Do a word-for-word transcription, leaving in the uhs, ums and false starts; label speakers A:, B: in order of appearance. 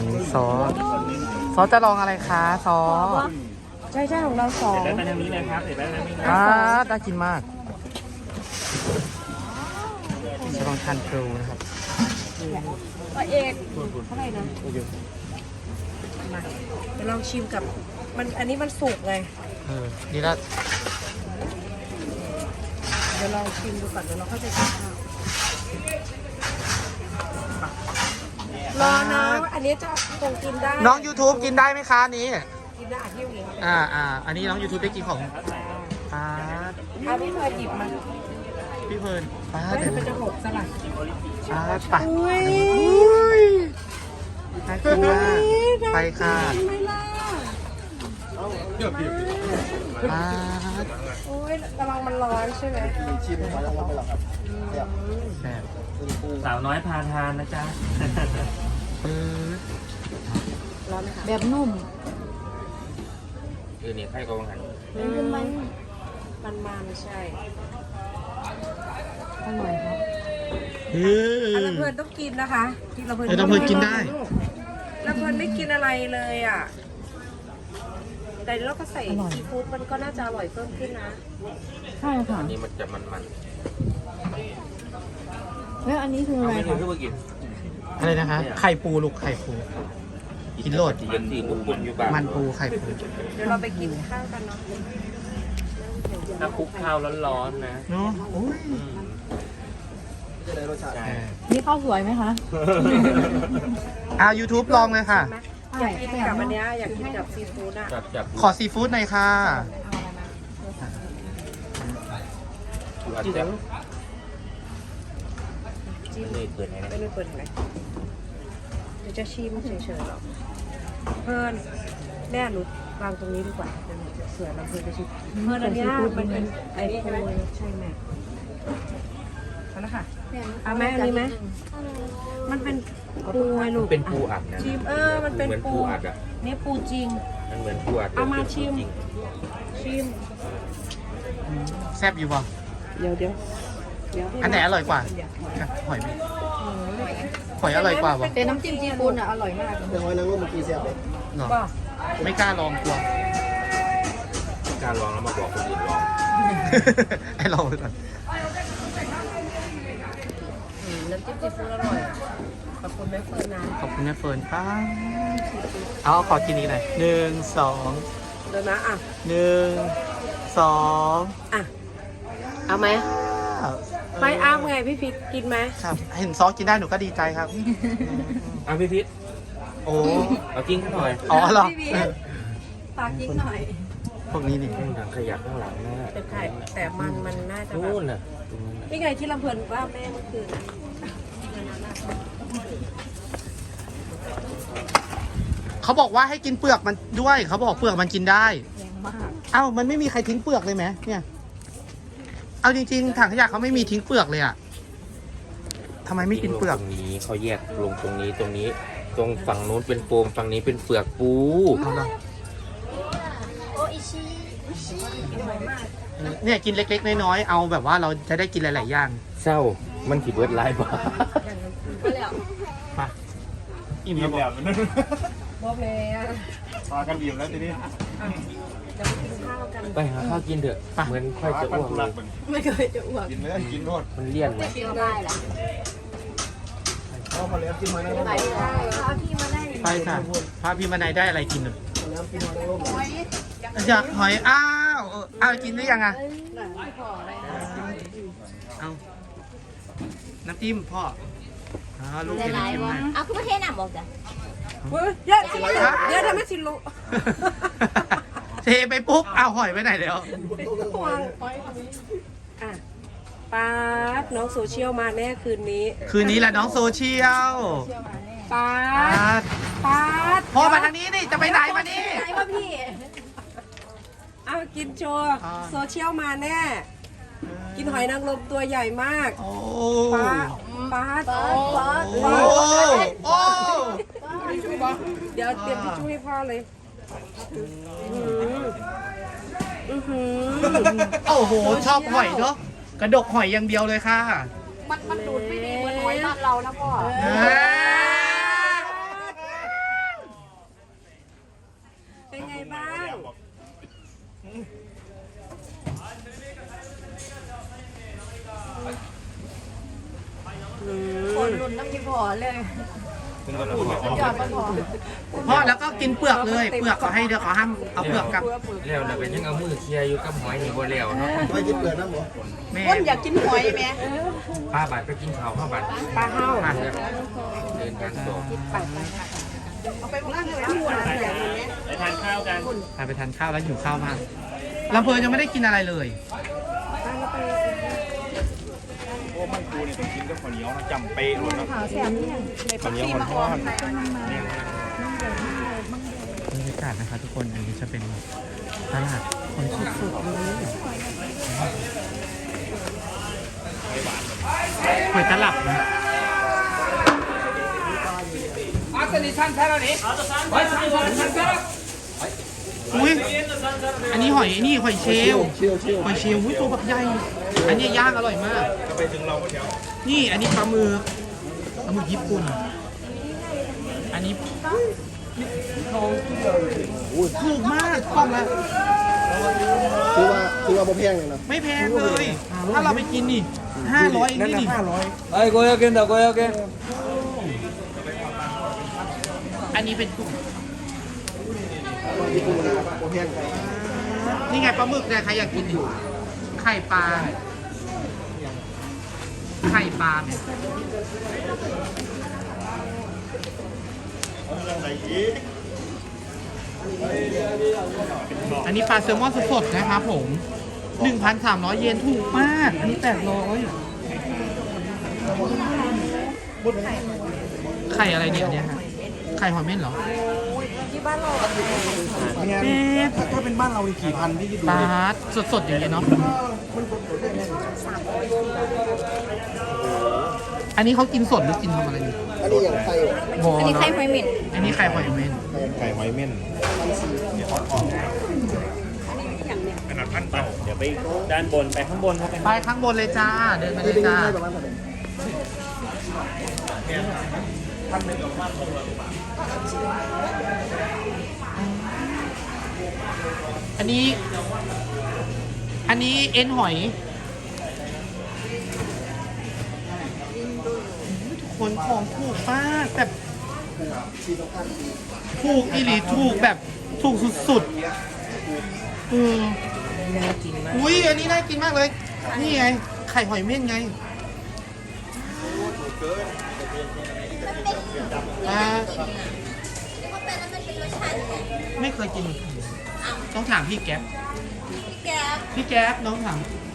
A: ซอซอจะลองอะไรคะซอ
B: ใช่ใช่ของเราสอง
C: เดี๋ยวไปทางนี้เลยครับเดี๋ยวไปทางนี้นะ
A: อ่าน่ากินมากจะลองทานครูนะครับ
B: ตัวเอกเท่าไหร่นะมาเดี๋ยวลองชิมกับมันอันนี้มันสุกไง
A: เออนี่ละ
B: เดี๋ยวลองชิมดูก่อนเดี๋ยวเราค่อยไปกินข้าวรอนะอันนี้จะคงกินได้
A: น้อง YouTube กินได้ไหมคะอันนี้
B: กินได้อ่ะที่อย่างนี้
A: อ่าอ่าอันนี้น้อง YouTube ได้กินของป้าด
B: เอาพี่เคยหยิบมา
A: พี่เพลินป้าด
B: แล้ว
A: เดี๋ยว
B: มันจะหกสลัด
A: ป้าดไป
B: อุ้ย
A: อุ้ยน่ากินมากไปค่ะ
B: ไม่ล่ะ
A: ป้าด
B: โอ้ยกำลังมันร้อนใช่ไหม
D: ชิมไว้แล้วไปหรอครับ
A: แซ่บ
C: สาวน้อยพาทานนะจ๊ะ
A: เออ
B: ร้อนไหมคะ
E: แบบนุ่ม
C: เออเนี่ยใครก็วังหัน
E: เป็นมัน
B: มันมันๆใช่
E: อร่อยครับ
A: เออ
B: อันละเพลินต้องกินนะคะกินละเพลิน
A: เออละเพลินกินได้
B: ละเพลินไม่กินอะไรเลยอ่ะแต่เราก็ใส่ซีฟู้ดมันก็น่าจะอร่อยเพิ่มขึ้นนะ
E: ใช่ค่ะ
C: อันนี้มันจะมันมัน
E: แล้วอันนี้คือ
C: ๆ
E: อะ
C: เอา
E: ไร
C: ไม่ถึ
E: คะ
C: งขึ้นมากิน
A: อะไรนะคะ ไข่ปูลูกไข่ปู กินโลด
C: ยันตีมุกปุ่นอยู่บ้าง
A: มันปูไข่ปู
B: เดี๋ยวเราไปกินข้าวกันเนาะ
C: ถ้าคลุกข้าวร้อนๆนะ
A: เนาะโอ้ย
C: อืม
D: จะได้รสชาติ
C: ใช่
E: นี่ข้าวสวยไหมคะ
A: อ่า YouTube ลองเลยค่ะ
B: อยากกินกับอันเนี้ยอยากกินกับซีฟู้ดอ่ะ
C: จับจับ
A: ขอซีฟู้ดหน่อยค่ะ
C: ดูอัดแซ่บ
B: จิ้ม
C: นี่เปิดให้นะ
B: ไม่ได้เปิดไหนเดี๋ยวจะชิมเฉยๆหรอกเพิ่นแม่หนูวางตรงนี้ดีกว่าเดี๋ยวหนูจะเสือลำเพลินจะชิมเพิ่นอันเนี้ยมันเป็นไอโฟนใช่ไหมเอาละค่ะเอาไหมอันนี้ไหมมันเป็นปูไงลูก
C: เป็นปูอัดนะ
B: ชิมเออมันเป็น
C: เหมือน
B: ปู
C: ปูอัดอ่ะ
B: นี่ปูจริง
C: มันเหมือนปูอัด
B: เอามา
C: เป็นปู
B: ชิม
C: จริง
B: ชิม
A: แซ่บอยู่ป่ะ
B: เดี๋ยวเดี๋ยวเดี๋ยว
A: อันไหนอร่อยกว่าค่ะหอยไหมหอยอร่อยกว่าป่ะ
E: แต่น้ำจิ้มซีฟู้ดอ่ะอร่อยมาก
D: แต่หอยนางรมเมื่อกี้เสียบเลย
A: เหรอ
B: ป่ะ
A: ไม่กล้าลองกลัว
C: การลองแล้วมาบอกคนอื่นลอง
A: ให้ลองไปก่อน
B: อืมน้ำจิ้มซีฟู้ดอร่อยขอบคุณแม่เฟิร์นนะ
A: ขอบคุณแม่เฟิร์นป้าเอาขอกินนี้หน่อยหนึ่งสอง
B: เดี๋ยวนะอ่ะ
A: หนึ่งสอง
B: อ่ะเอาไหมไม่เอาไงพี่พิษกินไหม
A: ครับเห็นซอสกินได้หนูก็ดีใจครับ
C: อ่ะพี่พิษ
A: โอ้
C: เอากิ้งหน่อย
A: อ๋อเหรอ
B: พี่พิษตากิ้งหน่อย
A: พวกนี้นี่
C: ข้างหลังขยับข้างหลังนะ
B: เป็นไข่แต่มันมันน่าจะแบ
C: นู่
B: บ
C: นน่ะตรงนั้นน่ะ
B: นี่ไงที่ลำเพลินว่าแม่เมื่อคืนน่ะ
A: เขาบอกว่าให้กินเปลือกมันด้วยเขาบอกเปลือกมันกินได้
E: แรงมาก
A: เอ้ามันไม่มีใครทิ้งเปลือกเลยไหมเนี่ย เอาจริงๆถังขยะเขาไม่มีทิ้งเปลือกเลยอะทำไมไม่กินเปลือก
C: ตรงนี้เขาแยกลงตรงนี้ตรงนี้ ตรงฝั่งนู้นเป็นโฟมฝั่งนี้เป็นเปลือกปู
A: เอาละเนี่ยกินเล็กๆน้อยๆเอาแบบว่าเราจะได้กินหลายๆอย่าง
C: เศร้ามันขีดเบิร์ดไลน์บ่
A: ไปอิ่มแล้วบอก
B: บอกเลยอ่ะ
D: พากันบีบแล้วทีนี้
B: จะไปกินข้าวกัน
C: ไปหาข้าวกินเถอะเหมือนค่อยจะอ้วกเลย
B: ไม่เคยจะอ้วก
D: กินเลยกินโนด
C: มันเลี่ยนเลย
E: เที่ยวได้แหละ
D: เข้ามาแล้วกินหอยนางรม
E: ไปได้เอาพี่มาได้
A: ไปค่ะพาพี่มาในได้อะไรกินหนึ่ง
D: แล้วกินหอยนางรม
A: อยากหอยอ้าวเอออ้าวกินได้ยังอ่ะเอาน้ำจิ้มพ่ออ๋อลูกกินน้ำจิ้มให้
E: เอาคุณประเทศน่ะบอกจ้ะ
B: เฮ้ยเยอะสิเยอะทำไมสิลุ
A: เทไปปุ๊บเอาหอยไปไหนแล้ว
B: วางอ่ะป๊าดน้องโซเชียลมาแน่คืนนี้
A: คืนนี้แหละน้องโซเชียล
B: ป๊า
A: อ่า
B: ดป๊าด
A: พ่อมาทางนี้นี่จะไปไหนมานี่
B: ไหนวะพี่เอากินโชว์
A: อ่า
B: โซเชียลมาแน่ กินหอยนางรมตัวใหญ่มาก
A: โอ้
B: ป๊าดป๊าด
A: โอ้โอ้
B: เดี๋ยวเตรียมทิชชู่ให้พ่อเลยอือหือ
A: โอ้โหชอบหอยเนาะกระดกหอยอย่างเดียวเลยค่ะ
E: มันมันดูดไม่ดีเหมือนหอยบ้านเรานะพ่อ
A: เอ้ย
E: คนรุนน้ำกินพอเลย
D: เป็นกระปุก
E: ยอดก็พอ
A: พ่อแล้วก็กินเปลือกเลยเปลือกเขาให้เดี๋ยวเขาห้ามเอาเปลือกกลับ
C: แล้วเราก็ยังเอามือเคลียร์อยู่กับหอยนี่บ่แล้วเนาะ
D: ไม่กินเปลือกนะหมอ
A: แม่
B: คนอยากกินหอยไหม
C: ป้าบาดไปกินข้าวข้าวบาด
B: ปลาเห่า
A: อ่ะ
C: เดินทางต่อ
B: เอาไปร้านเลยหัวอะไรอย่างเงี้ย
D: ไปทานข้าวกัน
A: พาไปทานข้าวแล้วหิวข้าวมากลำเพลินยังไม่ได้กินอะไรเลย
D: โอ้มันปูเนี่ยต้องกินกับข้าวเหนียวนะจำเป๊ะเลยนะ
E: ขาวแสบเนี่ย
D: ข้าวเหนียวมันทอดเนี่ย
A: บรรยากาศนะคะทุกคนอันนี้จะเป็นตลาดคนสุดๆเลยหอยตลับนะอุ้ยอันนี้หอยนี่หอยเชลล
D: เชี่ยวเชี่ยว
A: หอยเชลล์อุ้ยตัวแบบใหญ่อันนี้ย่างอร่อยมาก
D: จะไปถึงเราก็เดี๋ยว
A: นี่อันนี้ปลาหมึกปลาหมึกญี่ปุ่น อันนี้ถูกมากกล่องละ
D: คือว่าคือว่าโมแพงเลยนะ
A: ไม่แพงเลย ถ้าเราไปกินนี่ห้าร้อยเองนี่นี่
D: ไอ้โกยาเกนดาโกยาเกน
A: อันนี้เป็นกุ้ง
D: ญี่ปุ่นนะโมแพง
A: นี่ไงปลาหมึกเนี่ยใครอยากกินนี่ไข่ปลา ไข่ปลาเนี่ย
D: ไหนอีก
A: อันนี้ปลาแซลมอนสดๆนะครับผม หนึ่งพันสามร้อย เยนถูกมาก อันนี้แปดร้อยไข่อะไรเนี่ยเนี่ยฮะไข่หอยเม่นเหรอ
B: ที่บ้านเรา
D: เนี่ยถ้าถ้าเป็นบ้านเราอีกกี่พันพี่คิดดู
A: ปลา
D: ดิ
A: สดๆอย่างเงี้ยเนาะ อันนี้เขากินสดหรือกินทำอะไรอยู่
D: อันนี้อย่างไข่
A: บอ
E: อันนี้ไข่หอยเหม็น
A: อันนี้ไข่หอยเม่น
D: ไข่หอยเม่นเนี่ยทอดกรอบขนาดพันเต่าเดี๋ยวไปด้านบนไปข้างบนครับ
A: ไปข้างบนเลยจ้า เดินมาเลยจ้า อันนี้ อันนี้เอ็นหอย ทุกคนของถูกมากแบบถูกอีหลีถูกแบบถูกสุดๆอืออุ้ยอันนี้น่ากินมากเลย นี่ไง ไข่หอยเม่นไงอ่าไม่เคยกิน ต้องถามพี่แก๊ป
E: แก
A: พี่แก๊ปน้องถาม